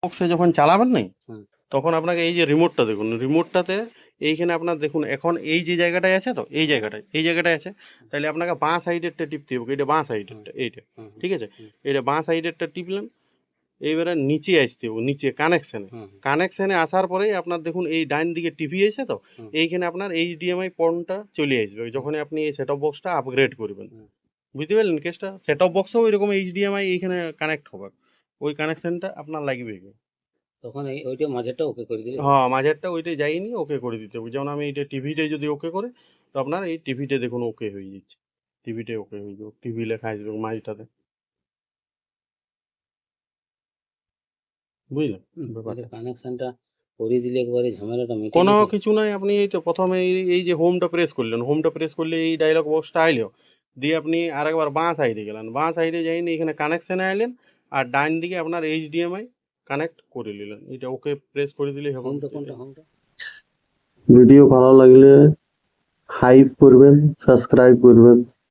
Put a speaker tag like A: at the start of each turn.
A: বক্সে যখন চালাবেন নাই
B: হুম।
A: তখন আপনাকে এই যে রিমোটটা দেখুন, রিমোটটাতে এইখানে আপনার দেখুন এখন এই যে জায়গাটায় আছে, তো এই জায়গাটায় আছে, তাহলে আপনাকে বাঁ সাইডেরটা টিপতে হবে, এটা বাঁ সাইডেরটা, এইটা ঠিক আছে, এটা বাঁ সাইডেরটা টিপলেন। এইবারে নিচে আসতে হবে, নিচে কানেকশানে আসার পরেই আপনার দেখুন এই ডাইন দিকে টিভি আছে, তো এইখানে আপনার এইচডিএমআই পর্নটা চলে আসবে যখন আপনি এই সেট অফ বক্সটা আপগ্রেড করবেন। বুঝতে পারলেন কেসটা? সেট অফ বক্সও ওইরকম এইচডিএমআই এইখানে কানেক্ট হবে, ওই কানেকশনটা আপনার লাগবে।
B: তখন ওইটা মাঝেরটা ওকে করে দিলে
A: হ্যাঁ, মাঝেরটা ওইটাই যায়নি, ওকে করে দিতে হবে। যেমন আমি এইটা টিভিটাই যদি ওকে করে, তো আপনার এই টিভিটা দেখুন ওকে হয়ে যাচ্ছে, টিভিটাই ওকে হয়ে যাবে, টিভি লেখা আসবে মাঝটাতে। বুঝলেন ব্যাপারটা?
B: কানেকশনটা করে দিলে একবারে ঝামেলাটা মিটে
A: কোনো
B: যেত।
A: কিছু নয়, আপনি এই তো প্রথমে এই যে হোমটা প্রেস করলেন, হোমটা প্রেস করলে এই ডায়লগ বক্সটা আইলো, দিয়ে আপনি আরেকবার বাঁ সাইডে গেলেন, বাঁ সাইডে যাইনি এখানে কানেকশানে আইলেন, আর ডাইন দিকে আপনার এইচডিএমআই কানেক্ট করে নিলেন, এটা ওকে প্রেস করে দিলেই হবে।
B: হোমটা কোনটা? হোমটা
C: ভিডিও ভালো লাগলে হাইপ করবেন, সাবস্ক্রাইব করবেন।